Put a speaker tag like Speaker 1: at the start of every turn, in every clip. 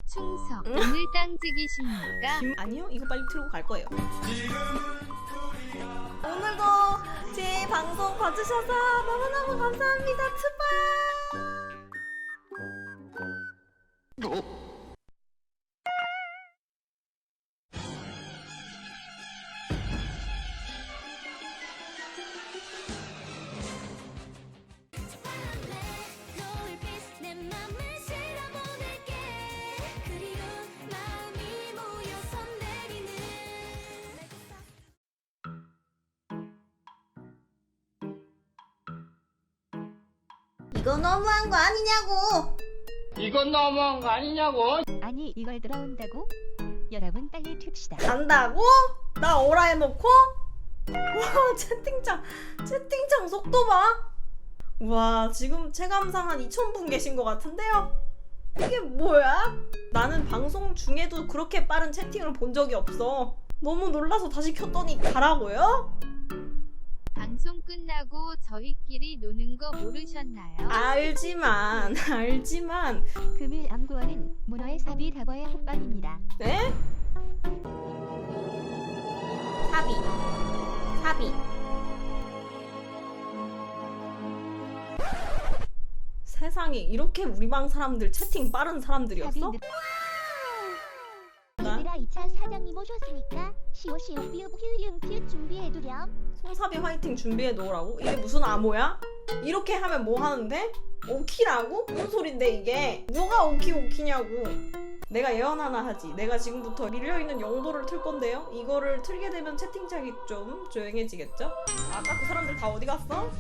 Speaker 1: 충성. 오늘 땅지기십니까?
Speaker 2: 아니요, 이거 빨리 틀고 갈 거예요. 오늘도 제 방송 봐주셔서 너무너무 감사합니다. 트바. 이거 너무한 거 아니냐고!
Speaker 3: 이건 너무한 거 아니냐고.
Speaker 4: 아니 이걸 들어온다고? 여러분 빨리 튑시다.
Speaker 2: 간다고? 나 오라 해놓고? 와, 채팅창 속도 봐! 와, 지금 체감상 한 2,000분 계신 것 같은데요? 이게 뭐야? 나는 방송 중에도 그렇게 빠른 채팅을 본 적이 없어. 너무 놀라서 다시 켰더니 가라고요?
Speaker 1: 방송 끝나고 저희끼리 노는 거 모르셨나요?
Speaker 2: 알지만
Speaker 4: 금일 암구어는 문어의 사비 다버의 호빵입니다.
Speaker 2: 네? 사비 세상에 이렇게 우리 방 사람들 채팅 빠른 사람들이었어?
Speaker 5: 얘들아 2차 사장님 오셨으니까 시오시오 삐읍 휴윤 퓨 준비해두렴.
Speaker 2: 송사비 화이팅 준비해 놓으라고? 이게 무슨 암호야? 이렇게 하면 뭐 하는데? 오키라고? 무슨 소린데 이게? 누가 오키냐고. 내가 예언 하나 하지. 내가 지금부터 밀려있는 영도를 틀 건데요. 이거를 틀게 되면 채팅창이 좀 조용해지겠죠? 아까 그 사람들 다 어디 갔어?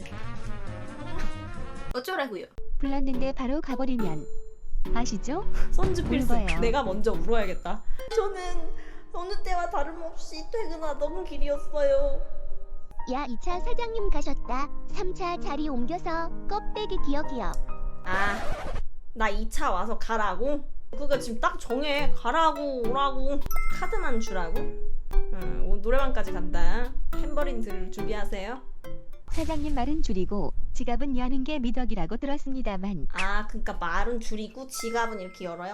Speaker 2: 어쩌라고요?
Speaker 4: 불렀는데 바로 가버리면 아시죠?
Speaker 2: 선즈 필승.
Speaker 4: 울어요.
Speaker 2: 내가 먼저 울어야겠다. 저는 어느 때와 다름없이 퇴근하던 길이었어요.
Speaker 5: 야 2차 사장님 가셨다. 3차 자리 옮겨서 껍데기 기억이요.
Speaker 2: 아, 나 2차 와서 가라고? 그거 지금 딱 정해. 가라고 오라고 카드만 주라고? 오늘 노래방까지 간다. 탬버린 들 준비하세요.
Speaker 4: 사장님 말은 줄이고 지갑은 여는 게 미덕이라고 들었습니다만
Speaker 2: 아, 그니까 말은 줄이고 지갑은 이렇게 열어요?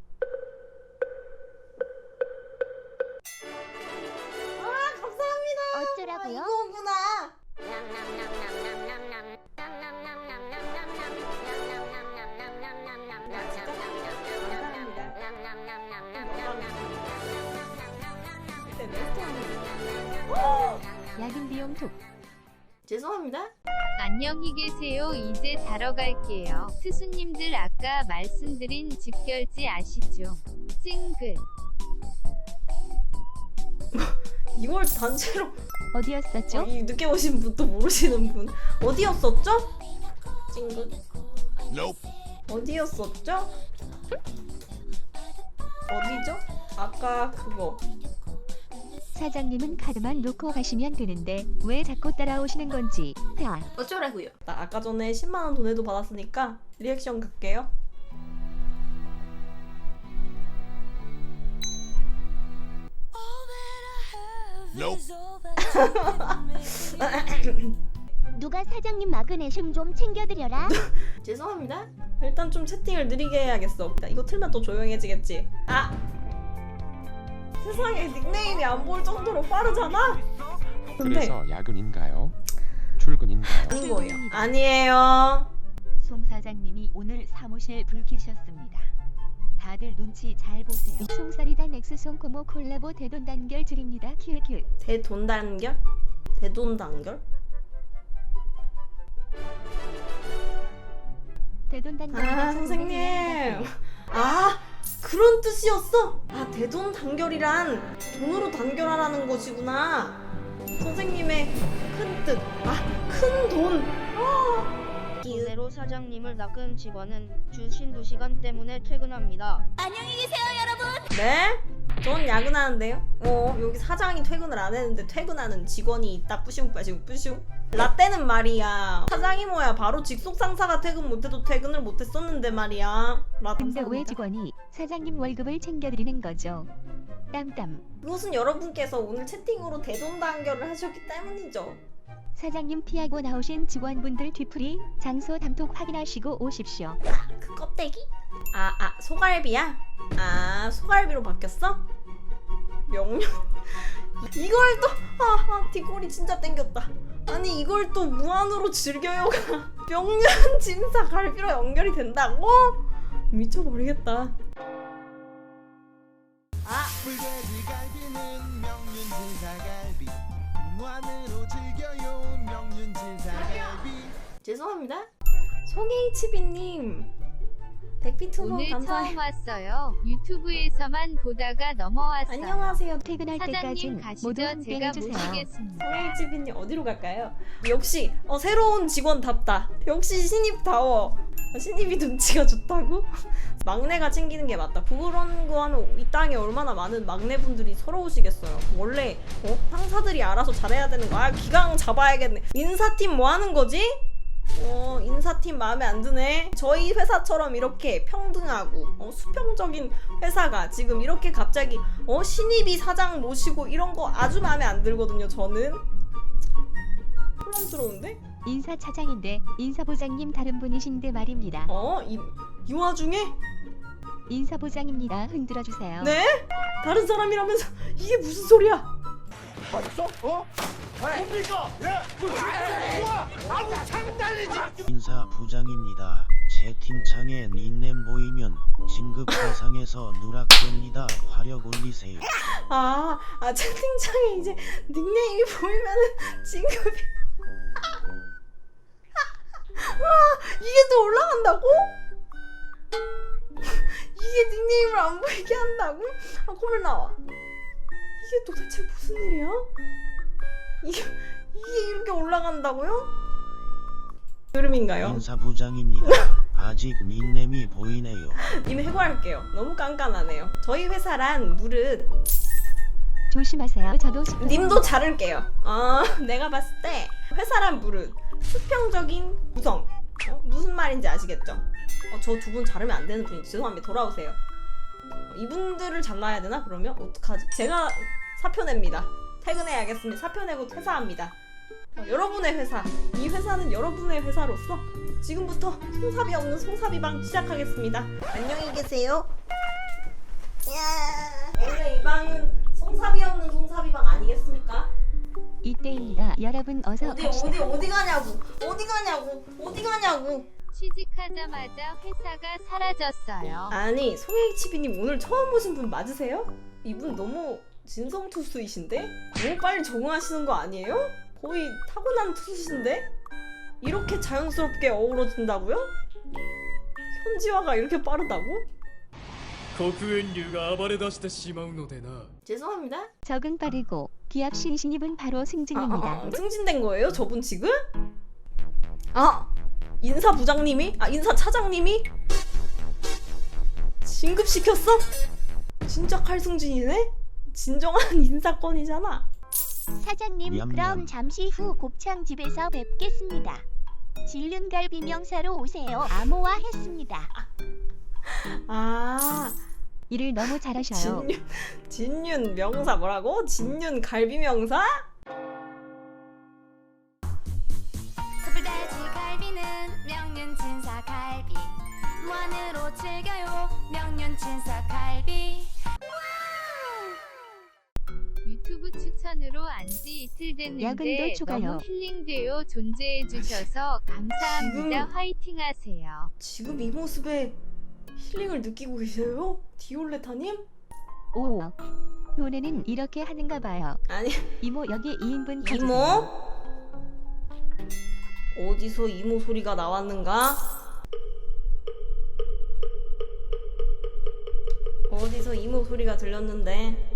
Speaker 2: 아, 감사합니다.
Speaker 5: 어쩌라고요?
Speaker 2: 이거구나.
Speaker 4: 야근 비용 톡.
Speaker 2: 죄송합니다.
Speaker 1: 안녕히 계세요. 이제 자러 갈게요. 스수님들 아까 말씀드린 집결지 아시죠? 찡긋.
Speaker 2: 이걸 단체로
Speaker 4: 어디였었죠?
Speaker 2: 이 늦게 오신 분 또 모르시는 분 어디였었죠? 찡긋 어디였었죠? 어디죠? 아까 그거
Speaker 4: 사장님은 카드만 놓고 가시면 되는데 왜 자꾸 따라오시는 건지. 하.
Speaker 2: 어쩌라고요? 나 아까 전에 10만원 돈에도 받았으니까 리액션 갈게요.
Speaker 5: 누가 사장님 마그네슘 좀 챙겨드려라.
Speaker 2: 죄송합니다. 일단 좀 채팅을 느리게 해야겠어. 이거 틀면 또 조용해지겠지. 아! 세상에 닉네임이 안 보일 정도로 빠르잖아? 근데
Speaker 6: 그래서 야근인가요? 출근인가요?
Speaker 2: 아닌 거예요. 아니에요.
Speaker 4: 송 사장님이 오늘 사무실 불 켜셨습니다. 다들 눈치 잘 보세요. 송사리단 엑스송 코모 콜라보 대돈 단결 드립니다. 큐큐.
Speaker 2: 대돈 단결? 대돈 단결?
Speaker 4: 대돈 단결.
Speaker 2: 아, 선생님. 아, 그런 뜻이었어? 아, 대돈 단결이란 돈으로 단결하라는 것이구나. 선생님의 큰 뜻. 아, 큰 돈.
Speaker 7: 이대로 사장님을 낚은 직원은 주신 2시간 때문에 퇴근합니다.
Speaker 2: 네? 전 야근하는데요. 여기 사장이 퇴근을 안 했는데 퇴근하는 직원이 있다. 뿌슝. 라떼는 말이야. 사장이 뭐야. 바로 직속 상사가 퇴근 못해도 퇴근을 못했었는데 말이야.
Speaker 4: 근데 왜 직원이 사장님 월급을 챙겨드리는 거죠? 땀땀.
Speaker 2: 그것은 여러분께서 오늘 채팅으로 대돈 단결을 하셨기 때문이죠.
Speaker 4: 사장님 피하고 나오신 직원분들 뒤풀이 장소 담톡 확인하시고 오십시오.
Speaker 2: 그 껍데기? 소갈비야? 소갈비로 바뀌었어? 명륜 이걸 또 뒷골이 진짜 땡겼다. 아니 이걸 또 무한으로 즐겨요가 명륜 진사 갈비로 연결이 된다고? 미쳐버리겠다.
Speaker 8: 불돼지 갈비는 명륜진사갈비 무한으로 즐겨요 명륜진사갈비.
Speaker 2: 죄송합니다. 송HB님 100피트 후원
Speaker 1: 오늘
Speaker 2: 감사해요.
Speaker 1: 처음 왔어요. 유튜브에서만 보다가 넘어왔어요.
Speaker 2: 안녕하세요.
Speaker 4: 퇴근할
Speaker 1: 사장님
Speaker 4: 때까진
Speaker 1: 가시죠.
Speaker 4: 모두
Speaker 1: 제가
Speaker 4: 함께해주세요.
Speaker 1: 모시겠습니다.
Speaker 2: 송HB님 어디로 갈까요? 역시 새로운 직원답다. 역시 신입다워. 신입이 눈치가 좋다고? 막내가 챙기는 게 맞다. 그런 거 하면 이 땅에 얼마나 많은 막내분들이 서러우시겠어요. 원래 상사들이 알아서 잘해야 되는 거야. 기강 잡아야겠네. 인사팀 뭐 하는 거지? 인사팀 마음에 안 드네. 저희 회사처럼 이렇게 평등하고 수평적인 회사가 지금 이렇게 갑자기 신입이 사장 모시고 이런 거 아주 마음에 안 들거든요. 저는 혼란스러운데?
Speaker 4: 인사차장인데 인사부장님 다른 분이신데 말입니다.
Speaker 2: 이 와중에?
Speaker 4: 인사부장입니다. 흔들어주세요.
Speaker 2: 네? 다른 사람이라면서 이게 무슨 소리야?
Speaker 9: 인사부장입니다. 채팅창에 닉네임 보이면 진급 대상에서 누락됩니다. 화력 올리세요.
Speaker 2: 채팅창에 이제 닉네임이 보이면은 진급이 이게 또 올라간다고? 이게 닉네임을 안 보이게 한다고? 콧물 나와. 이게 도대체 무슨 일이야? 이게 이렇게 올라간다고요? 흐름인가요?
Speaker 9: 인사부장입니다. 아직 닉네임이 보이네요.
Speaker 2: 님 해고할게요. 너무 깐깐하네요. 저희 회사란 무릇
Speaker 4: 조심하세요. 저도 싶어요.
Speaker 2: 님도 자를게요. 내가 봤을 때 회사란 무릇 수평적인 구성. 무슨 말인지 아시겠죠? 저 두 분 자르면 안 되는 분이 죄송합니다. 돌아오세요. 이분들을 잘라야 되나? 그러면 어떡하지? 제가 사표 냅니다. 퇴근해야겠습니다. 사표 내고 퇴사합니다. 여러분의 회사, 이 회사는 여러분의 회사로서 지금부터 송사비 없는 송사비방 시작하겠습니다. 안녕히 계세요. 원래 이 방은 송사비 없는 송사비방 아니겠습니까?
Speaker 4: 이때입니다. 여러분 어서 갑시다.
Speaker 2: 어디 가냐고.
Speaker 1: 취직하자마자 회사가 사라졌어요.
Speaker 2: 아니 송HB님 오늘 처음 오신 분 맞으세요? 이분 너무 진성투수이신데? 너무 빨리 적응하시는 거 아니에요? 거의 타고난 투수신데? 이렇게 자연스럽게 어우러진다고요? 현지화가 이렇게 빠르다고?
Speaker 10: 黒煙竜が暴れ出してしまうのでな。
Speaker 2: 죄송합니다.
Speaker 4: 적응 빠르고 기합신 신입은 바로 승진입니다.
Speaker 2: 승진된 거예요? 저분 지금? 인사부장님이? 인사차장님이? 진급시켰어? 진짜 칼승진이네? 진정한 인사권이잖아.
Speaker 5: 사장님
Speaker 9: 냠냠.
Speaker 5: 그럼 잠시 후 곱창집에서 뵙겠습니다. 진륜갈비 명사로 오세요. 암호화했습니다.
Speaker 4: 일을 너무 잘하셔요.
Speaker 2: 진윤 명사 뭐라고? 진윤 갈비 명사?
Speaker 11: 불돼지 갈비는 명륜진사 갈비 무한으로 즐겨요 명륜진사 갈비.
Speaker 1: 유튜브 추천으로 안지 이틀 됐는데
Speaker 4: 야근도 추가요.
Speaker 1: 너무 힐링돼요. 존재해주셔서 감사합니다. 화이팅하세요.
Speaker 2: 지금 이 모습에 힐링을 느끼고 계세요? 디올레타님?
Speaker 4: 오. 노래는 이렇게 하는가 봐요.
Speaker 2: 아니
Speaker 4: 이모 여기 2인분 가주세요.
Speaker 2: 이모? 어디서 이모 소리가 나왔는가? 어디서 이모 소리가 들렸는데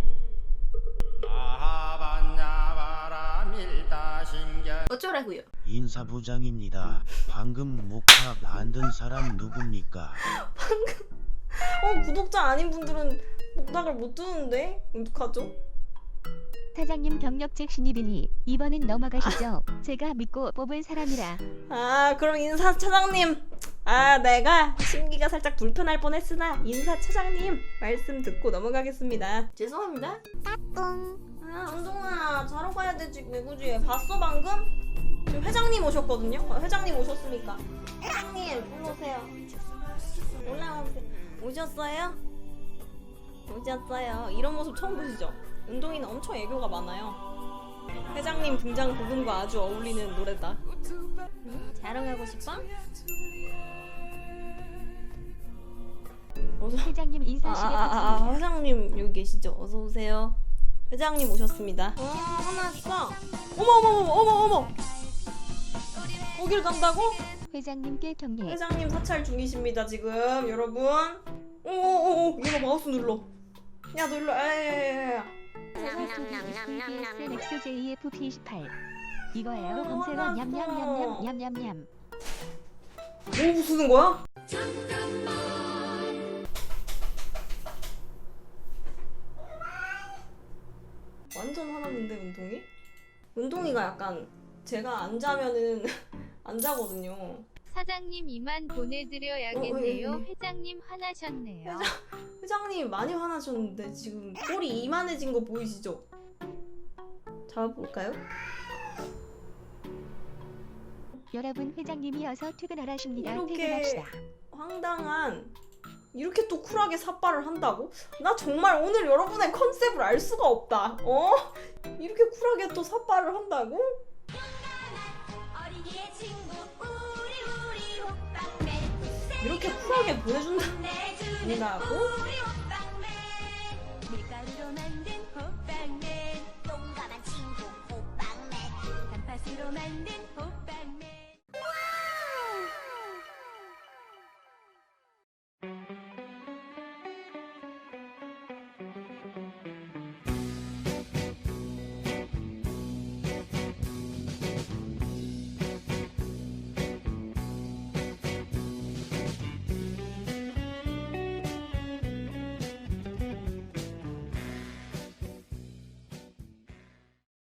Speaker 2: 어쩌라고요?
Speaker 9: 인사부장입니다. 방금 목탁 안 든 사람 누굽니까?
Speaker 2: 구독자 아닌 분들은 목탁을 못 두는데 어떡하죠?
Speaker 4: 사장님 경력직 신입이니 이번은 넘어가시죠. 제가 믿고 뽑은 사람이라.
Speaker 2: 그럼 인사차장님 내가 심기가 살짝 불편할 뻔했으나 인사차장님 말씀 듣고 넘어가겠습니다. 죄송합니다.
Speaker 5: 따뚱.
Speaker 2: 은동아 자러 가야 되지. 왜 그지? 봤어 방금? 지금 회장님 오셨거든요. 회장님 오셨으니까. 회장님 올라오세요. 올라오세요. 오셨어요? 오셨어요. 이런 모습 처음 보시죠? 운동이는 엄청 애교가 많아요. 회장님 등장 부분과 아주 어울리는 노래다. 응? 자랑하고 싶어?
Speaker 4: 회장님 인사실에 붙습니다.
Speaker 2: 회장님 여기 계시죠? 어서 오세요. 회장님 오셨습니다. 와, 화났어. 어머. 거길 간다고?
Speaker 4: 회장님께 경례.
Speaker 2: 회장님 사찰 중이십니다 지금 여러분. 오오오 얘가 마우스 눌러. 야 눌러. 야야야야.
Speaker 4: XJF-P18 이거예요. 검색어 냠냠냠냠냠냠냠.
Speaker 2: 뭐 부수는 거야? 완전 화났는데 운동이? 운동이가 약간 제가 안 자면은 안 자거든요.
Speaker 1: 사장님 이만 보내드려야겠네요. 회장님 화나셨네요.
Speaker 2: 회장님 많이 화나셨는데 지금 꼴이 이만해진 거 보이시죠? 잡아볼까요?
Speaker 4: 여러분 회장님이어서 퇴근하라십니다.
Speaker 2: 이렇게
Speaker 4: 퇴근합시다.
Speaker 2: 황당한 이렇게 또 쿨하게 삿발을 한다고? 나 정말 오늘 여러분의 컨셉을 알 수가 없다. 이렇게 쿨하게 또 삿발을 한다고? 이렇게 쿨하게 보내준다고?
Speaker 11: 밀가루로 만든 호빵맨 용감한 친구 호빵맨 단팥으로 만든